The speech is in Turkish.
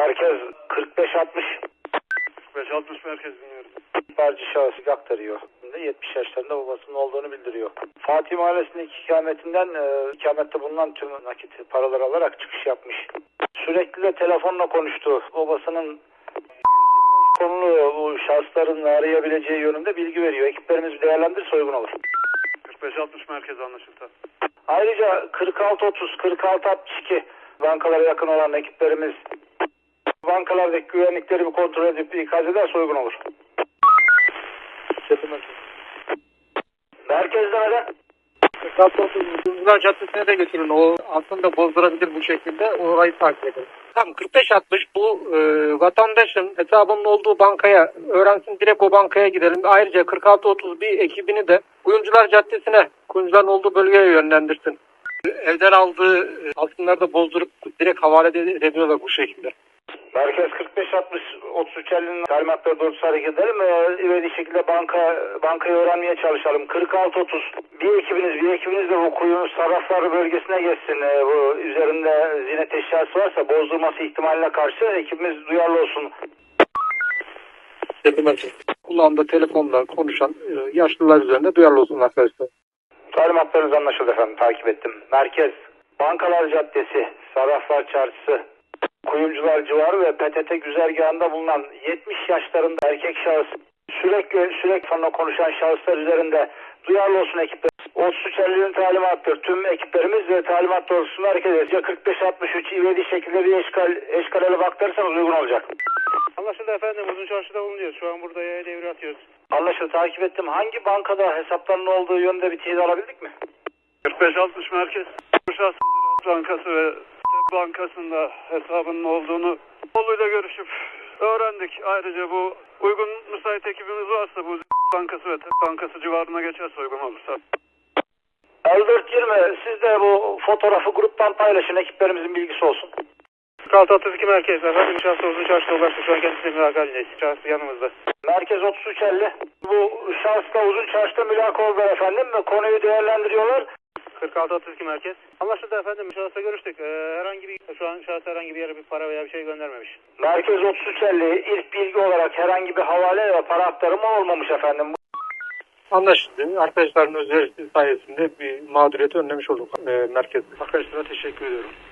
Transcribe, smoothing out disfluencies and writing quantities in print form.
Merkez 4560. 4560 merkez dinliyorum. İhbarcı şahıs aktarıyor. 70 yaşlarında babasının olduğunu bildiriyor. Fatih Mahallesi'ndeki ikamette bulunan tüm nakit paraları alarak çıkış yapmış. Sürekli de telefonla konuştu. Babasının konulu bu şahısların arayabileceği yönünde bilgi veriyor. Ekiplerimiz bir değerlendirirse uygun olur. 4560 merkez anlaşıldı. Ayrıca 4630, 4662 bankalara yakın olan ekiplerimiz bankalardaki güvenlikleri bir kontrol edip ikaz ederse uygun olur. Merkezde neden? Kızılcık Caddesi'ne de götürün. O aslında bozdurabilir bu şekilde. Orayı takip edin. Tam 4560 bu vatandaşın hesabının olduğu bankaya öğrensin, direkt o bankaya gidelim. Ayrıca 4631 ekibini de Kuyumcular Caddesi'ne, kuyumcuların olduğu bölgeye yönlendirsin. Evden aldığı altınları da bozdurup direkt havale ediyorlar bu şekilde. Merkez 4560 3350'nin talimatları doğrultusunda hareket edelim ve ivedi şekilde bankayı öğrenmeye çalışalım. 4630 bir ekibiniz de bu kuyu sarrafları bölgesine geçsin. Bu üzerinde ziynet eşyası varsa bozdurması ihtimaline karşı ekibimiz duyarlı olsun. Kulağında telefonla konuşan yaşlılar üzerinde duyarlı olsun arkadaşlar. Talimatlarınız anlaşıldı efendim, takip ettim. Merkez Bankalar Caddesi, Sarraflar Çarşısı, Kuyumcular civarı ve PTT güzergahında bulunan 70 yaşlarında erkek şahıs sürekli sonra konuşan şahıslar üzerinde duyarlı olsun ekipler. 3350'nin talimattır. Tüm ekiplerimiz ve talimat doğrultusunda hareket edeceğiz. 4563 ivedi şekilde bir eşkalele baktırırsanız uygun olacak. Anlaşıldı efendim. Uzun çarşıda bulunuyoruz. Şu an burada yaya devre atıyoruz. Anlaşıldı, takip ettim. Hangi bankada hesaplarının olduğu yönde bir teyit alabildik mi? 4560 merkez. Şahs Bankası ve Bankası'nda hesabının olduğunu oğluyla görüşüp öğrendik. Ayrıca bu uygun müsait ekibimiz varsa bu Bankası ve Bankası civarına geçerse uygun olursa. 5420 siz de bu fotoğrafı gruptan paylaşın, ekiplerimizin bilgisi olsun. 4632 merkez efendim. Şahsı uzun çarşıda ulaştı. Şu an kendisiyle mülaka halindeyiz. Şahsı yanımızda. Merkez 3350. Bu şahısla uzun çarşıda mülaka oldular efendim ve konuyu değerlendiriyorlar. 4632 merkez. Anlaşıldı efendim. Şahısla görüştük. Şu an şahıs herhangi bir yere bir para veya bir şey göndermemiş. Merkez 3350 ilk bilgi olarak herhangi bir havale ve para aktarımı olmamış efendim. Anlaşıldı. Arkadaşların özelliği sayesinde bir mağduriyeti önlemiş olduk merkez. Arkadaşlara teşekkür ediyorum.